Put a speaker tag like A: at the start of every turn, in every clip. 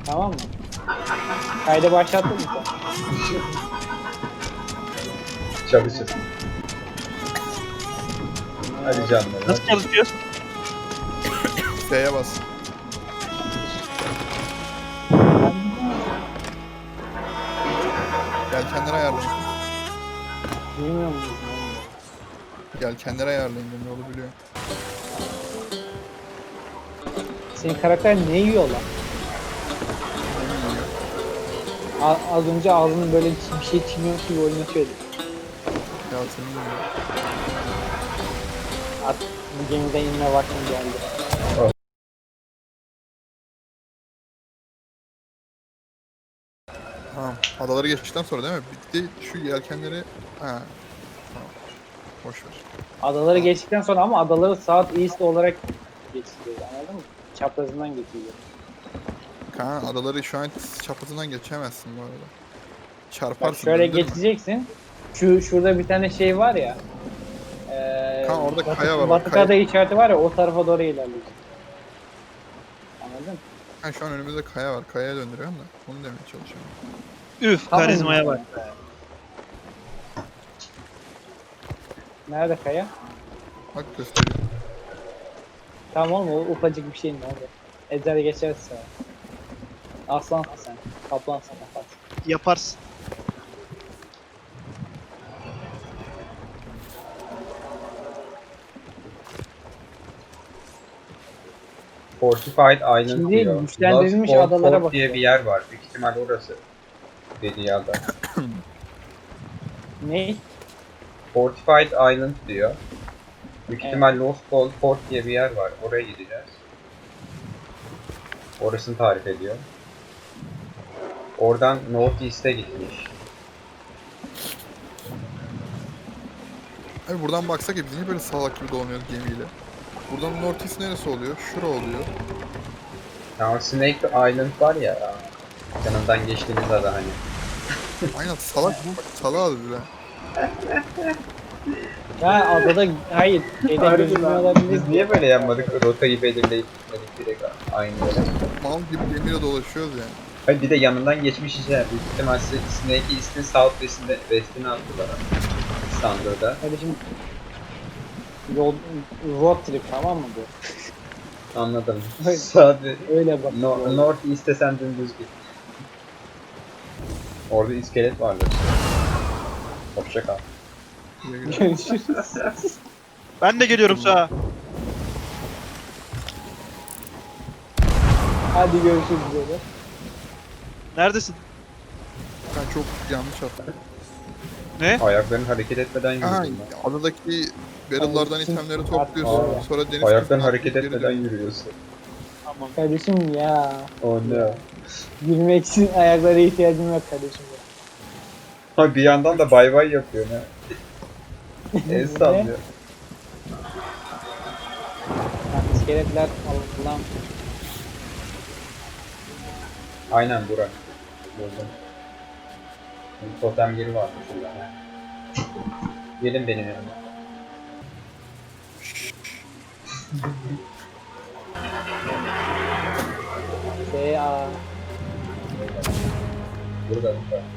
A: Tamam mı? Kaydı başlattın mı sen?
B: Çalışır. Hadi canlar.
C: Nasıl çalışıyoruz?
D: F'ye bas. Yelkenleri ayarlayın.
A: Bilmiyor musun?
D: Yelkenleri ayarlayın. Ben yolu biliyorum.
A: Senin karakter ne yiyor lan? Az önce ağzının böyle bir şey çimiyor gibi oynatıyordu.
D: Ya senin de ya.
A: Artık bu gemiden inme vaktim geldi.
D: Tamam. Adaları geçtikten sonra değil mi? Bitti. Şu yelkenleri... Ha. Tamam. Boş ver.
A: Adaları geçtikten sonra ama adaları saat east olarak geçiliyor, anladın mı? Çaprazından geçiliyor.
D: Kaan adaları şu an çaprazından geçemezsin bu arada.
A: Bak
D: Çarparsın.
A: şöyle
D: döndürme.
A: geçeceksin. Şurada bir tane şey var ya.
D: Kanka orada
A: batı,
D: kaya var,
A: Batı
D: kaya.
A: kaya işareti var ya, o tarafa doğru ilerliyorsun. Anladın mı?
D: Ha, şu an önümüzde kaya var. Kayaya döndürüyorum da. Onu demeye çalışıyorum.
C: Üf,
A: Tamam.
C: karizmaya bak.
A: Nerede kaya?
D: Bak gösteriyorum.
A: Tamam oğlum, o ufacık bir şey ne oldu? Ezer geçersin. Aslansın sen. Kaplansın yaparsın.
C: Yaparsın.
B: Fortified Island
A: Şimdi
B: diyor.
A: güçlendirilmiş
B: Lost Fort
A: adalara
B: Fort diye
A: bakıyor.
B: bir yer var. Büyük ihtimal orası. Dediği ada.
A: Ne?
B: Fortified Island diyor. Büyük
A: Evet.
B: ihtimal Lost Fort diye bir yer var. Oraya gideceğiz. Orasını tarif ediyor. Oradan North East'e gitmiş.
D: Abi buradan baksak ya biz niye böyle salak gibi dolanıyoruz gemiyle? Buradan North East neresi oluyor? Şura oluyor.
B: Ya Snake Island var ya. Yanından geçtiğimiz ada hani.
D: Aynen salak. Bak salağa bile.
A: Ha adada hayır. Şeyden gözükmüyor olabilir.
B: Biz niye böyle yapmadık? Rotayı belirleyip gitmedik direkt aynı yere.
D: Mal gibi gemiyle dolaşıyoruz yani.
B: Hayır bir de yanından geçmiş işte. Büyük ihtimal Snake East'in South West'ini attılar. Standırda.
A: Kardeşim road trip, tamam mı bu?
B: Anladım.
A: Öyle.
B: Sadece
A: Öyle bak.
B: North East'e sen dümdüz git. Orada iskelet vardı. Hoşça kal.
D: Güle güle.
A: Görüşürüz.
C: Ben de geliyorum sağa.
A: Hadi görüşürüz böyle.
C: Neredesin?
D: Ben çok yanlış attım.
C: Ne?
B: Ayakların hareket etmeden
D: Aha,
B: yürüyorsun.
D: adadaki barrel'lardan itemleri topluyorsun.
B: Aa,
D: Sonra deniz
B: Ayakların
D: kıyısına
B: hareket
D: geri
B: etmeden
D: dönüyorsun.
B: yürüyorsun.
C: Tamam.
A: Kardeşim ya.
B: Oh no.
A: Yürümek için ayaklara ihtiyacım yok kardeşim.
B: Ha bir yandan da bay bay yapıyor ne? El
A: Ne?
B: sallıyor.
A: Ha, iskeletler Allah'ım.
B: Aynen Burak. Buldum. Bir totem yeri varmış şurada. Gelin benim yanıma.
A: Aa.
B: Burada.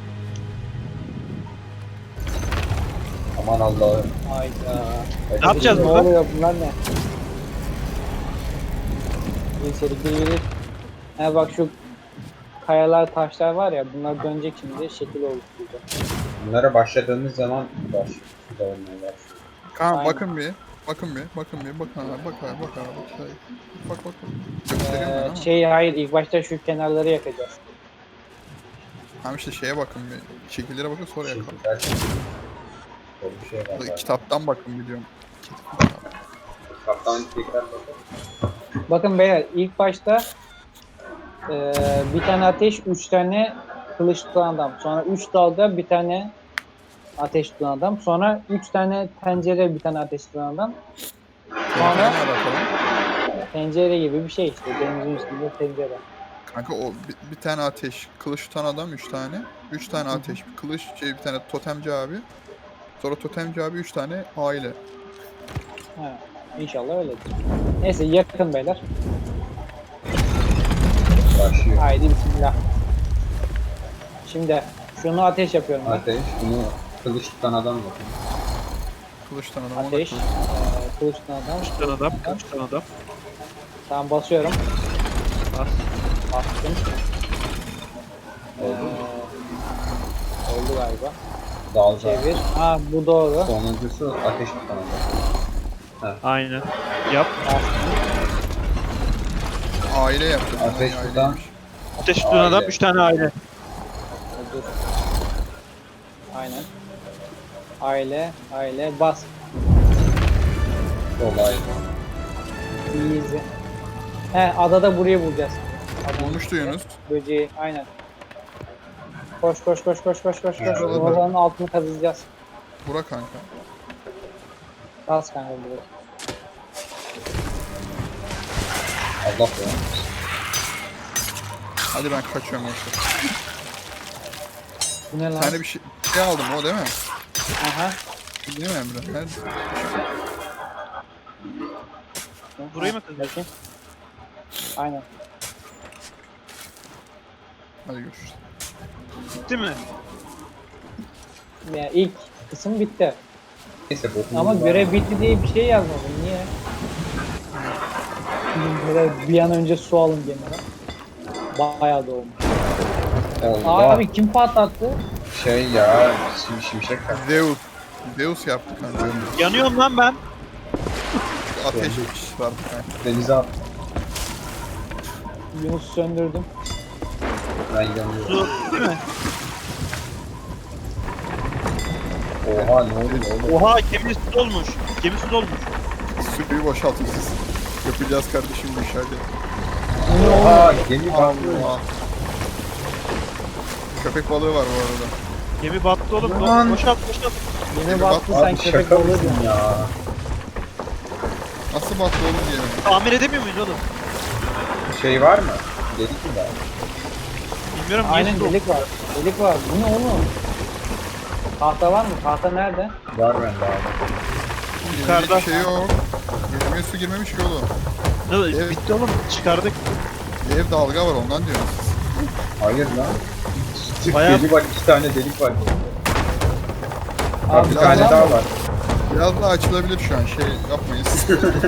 B: Aman Allah'ım.
A: Hayda.
C: Ne yapacağız
A: Ne
C: burada?
A: oluyor bunlar ne? İçerikte yürü. Ha bak şu kayalar, taşlar var ya, bunlar dönecek şimdi, şekil oluşturacak.
B: Bunlara başladığımız zaman başlıyor. Başlıyor.
D: Kaan
A: Aynen.
D: bakın bir. Bakın bir. Bakın bir. Bakın abi. Bak abi. Bak abi. Bak bak. Gösteriyorum ben ama.
A: Hayır, ilk başta şu kenarları yakacağız.
D: Tamam işte şeye bakın bir. Şekillere bakın sonra yakalım.
B: Böyle bir şey var. galiba.
D: Kitaptan bakın biliyorum.
B: Kaptan tekrar bakalım.
A: Bakın beyler, ilk başta bir tane ateş, 3 tane kılıç tutan adam. Sonra 3 dalga bir tane ateş tutan adam. Sonra 3 tane tencere, bir tane ateş tutan adam. Sonra
D: Ne bakalım.
A: tencere gibi bir şey işte. Denizin üstünde tencere.
D: Kanka o bir tane ateş, kılıç tutan adam 3 tane. 3 tane ateş, bir kılıç, bir tane totemci abi. Sonra totemci abi 3 tane aile.
A: Ha, İnşallah öyledir. Neyse yakın beyler.
B: Başlıyor.
A: Haydi bismillah. Şimdi şunu ateş yapıyorum ben.
B: Ateş. Bunu kılıç tutan adam yok.
D: Kılıçtan adam.
A: Ateş. Kılıç tutan adam.
C: Kılıçtan adam, kılıçtan adam.
A: Tamam basıyorum.
C: Bas.
A: Bastım.
B: Oldu.
A: Oldu galiba.
B: Dalga.
A: Çevir. Ha bu doğru.
B: Sonuncusu ateş tutan adam.
C: Aynen. Yap.
A: Bastım.
D: Aile yaptı.
B: Ateş
D: Yani
B: tutan.
D: aileymiş.
C: Ateş tutan adam,
B: Aile.
C: 3 tane aile.
A: Dur. Aynen. Aile bas.
B: Olay.
A: Easy. He adada burayı bulacağız.
D: Bulmuştu Yunus.
A: Böceği aynen. Koş.
B: Evet.
A: Oranın altını kazıyacağız.
D: Bura kanka.
A: Bas kanka burayı.
B: Allah be.
D: Hadi ben kaçıyorum yoksa.
A: Bu ne
D: Bir
A: lan?
D: tane bir şey aldım o değil mi?
A: Aha.
D: Değil mi Emre? Nerede?
C: Burayı mı kazıyorsun?
A: Bakayım. Aynen.
D: Hadi görüşürüz.
C: Bitti mi?
A: Ya ilk kısım bitti.
B: Neyse bokunu
A: Ama
B: var.
A: görev bitti diye bir şey yazmadım. Niye? Böyle bir an önce su alın gemiden. Bayağı da olmuş.
B: Allah.
A: Abi kim patlattı?
B: Şey ya. Şimşek tak.
D: Zeus. Zeus yaptı kanka.
C: Yanıyorum lan ben.
D: Ateş vardı kanka.
B: Denize at.
A: Yunus söndürdüm.
B: Ben yanıyorum.
C: Su değil mi?
B: Oha ne oluyor oğlum?
C: Oha gemi su dolmuş. Gemi su dolmuş.
D: Suyu boşaltın siz. Yapacağız kardeşim bu işi hadi.
B: Oha gemi battı.
D: Allah. Köpek balığı var bu arada.
C: Gemi battı oğlum.
B: Aman.
C: Boşalt.
A: Yine battı sen
B: Abi
A: köpek
B: şaka
A: balığı
B: mısın
A: diyorsun.
B: ya?
D: Nasıl battı oğlum diyelim.
C: Tamir edemiyor muyuz oğlum?
B: Şey var mı? Dedik mi var?
C: Bilmiyorum niye
A: Aynen
C: su dolmuş.
A: delik var. Delik var. Bu ne oğlum? Tahta var mı? Tahta nerede?
B: Var bende abi.
C: Yukarıda.
D: Bir şey yok. Gemiye su girmemiş ki oğlum.
C: Ne?
D: Evet.
C: Bitti oğlum. Çıkardık.
D: Ev dalga var ondan diyorum.
B: Hayır lan. Sırf
C: Bayağı-
B: deli var. 2 tane delik var.
A: Abi,
B: Bir
D: biraz
B: tane
A: tamam
B: daha
A: mı?
B: var.
D: Biraz daha açılabilir şu an şey yapmayız.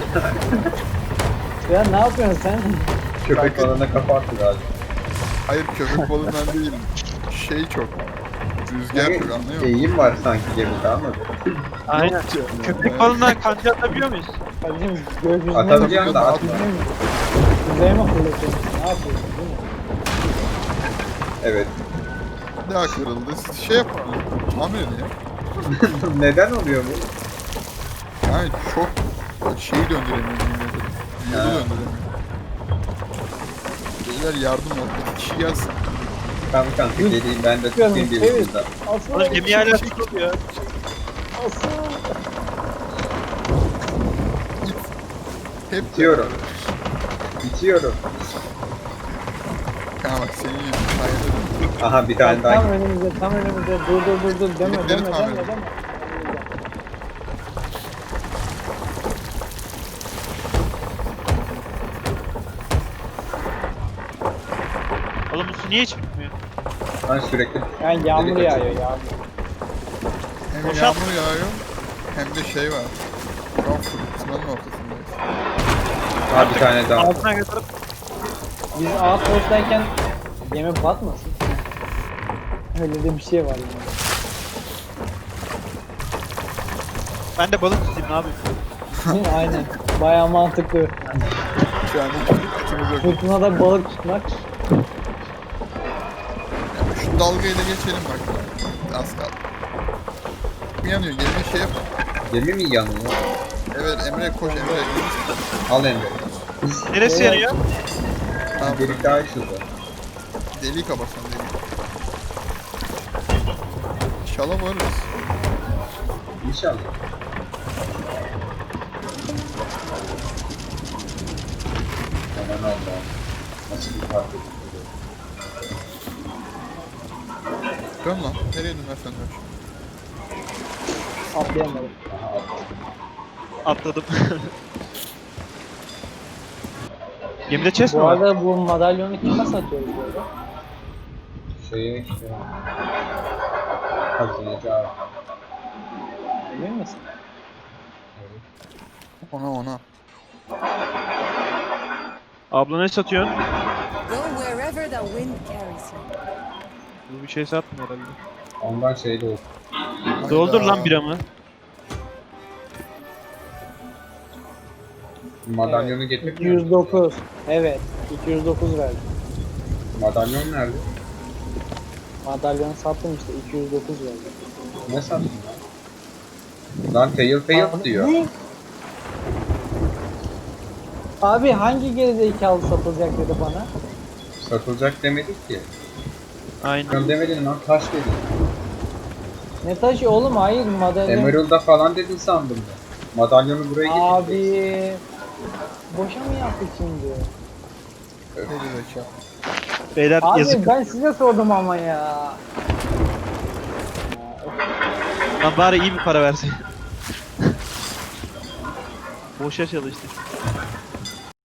A: Ya ne yapıyorsun sen?
B: Köpek balığına kafa attı galiba.
D: Hayır köpek balığından değil. Şey çok. Rüzgar çok anlıyor musun?
B: Eğim var sanki gemide anladın.
C: Aynen.
D: Yok diyorum ya.
C: Köpek balığından kanca atabiliyor muyuz?
A: Kardeşim gökyüzüne
B: Atabileceğim de atma.
A: Kuzeye mi fırlatıyorsun? Ne yapıyorsun değil mi?
B: Evet.
D: Bir daha kırıldı. Siz şey yapalım. Tamir edin ya.
B: Neden oluyor bu?
D: Yani çok şeyi döndüremiyor yine de. Yolu
B: Ha.
D: döndüremiyor. Beyler yardım ol. İki kişi gelsin.
B: Tamam kanka geleyim ben de tutayım bir
A: Evet.
B: ucunda.
A: Asıl.
C: Oğlum gemi hala su doluyor.
A: Asıl.
D: Hep
B: Bitiyorum. Bitiyorum.
D: Kanka bak senin yüzün sayede.
B: Aha bir tane daha.
A: Tam önümüzde, tam önümüzde. Dur. Deme.
D: Delikleri tamir edin.
C: Oğlum bu su niye hiç bitmiyor?
B: Ben sürekli
A: Yani yağmur
B: Delik
A: yağıyor
B: açıyor.
A: yağmur.
D: Hem
C: Boşalt.
D: yağmur yağıyor hem de şey var. Şu an fırtınanın ortasındayız.
B: Ha bir tane daha.
C: Altına götürüp
A: Biz outpost'tayken gemi batmasın. Öyle de bir şey var yani.
C: ben de balık tutayım ne yapayım?
A: Aynen. Bayağı mantıklı.
D: Şu an hiç etimiz yok.
A: Fırtınada balık tutmak.
D: Şu dalgayı da geçelim bak. Az kaldı. Bir yanıyor. Gelin şey yap.
B: Gemi mi yanıyor?
D: Evet Emre koş Emre.
B: Al Emre.
C: Neresi
A: Evet.
C: yanıyor?
D: Tamam.
B: Delik daha açıldı.
D: Deliği kapatsan deliği. İnşallah varırız.
B: İnşallah. Aman Allah'ım. Nasıl bir fark ediyor?
D: Dön lan. Nereye dönersen dön.
A: Atlayamadım.
B: Aha atladım.
C: Atladım. Gemide chest mi
A: Bu
C: var?
A: arada bu madalyonu kime satıyoruz böyle?
B: Şeye işte. Hazineci abi.
A: Emin misin?
B: Evet.
D: Ona.
C: Abla ne satıyorsun?
E: Go wherever the wind carries you.
C: Bu bir şey satmıyor herhalde.
B: Ondan şey de oldu.
C: Doldur
D: Hayda.
C: lan biramı.
B: Madalyonu getirmiyor musun?
A: 209. Evet. 209 verdim.
B: Madalyon nerede?
A: Madalyonu sattım işte 209 verdim.
B: Ne sattın lan? Lan Telltale diyor.
A: Ne? Abi hangi gerizekalı satılacak dedi bana.
B: Satılacak demedik ki.
C: Aynen.
B: Sen demedin lan taş dedin.
A: Ne taşı oğlum, hayır madalyon.
B: Emerald'da falan dedin sandım ben. Madalyonu buraya getireceksin.
A: Abi boşa mı yaptık şimdi?
D: Geri zekalı.
C: Beyler
A: Abi
C: yazık.
A: ben size sordum ama ya.
C: Lan bari iyi bir para versin. Boşa çalıştık.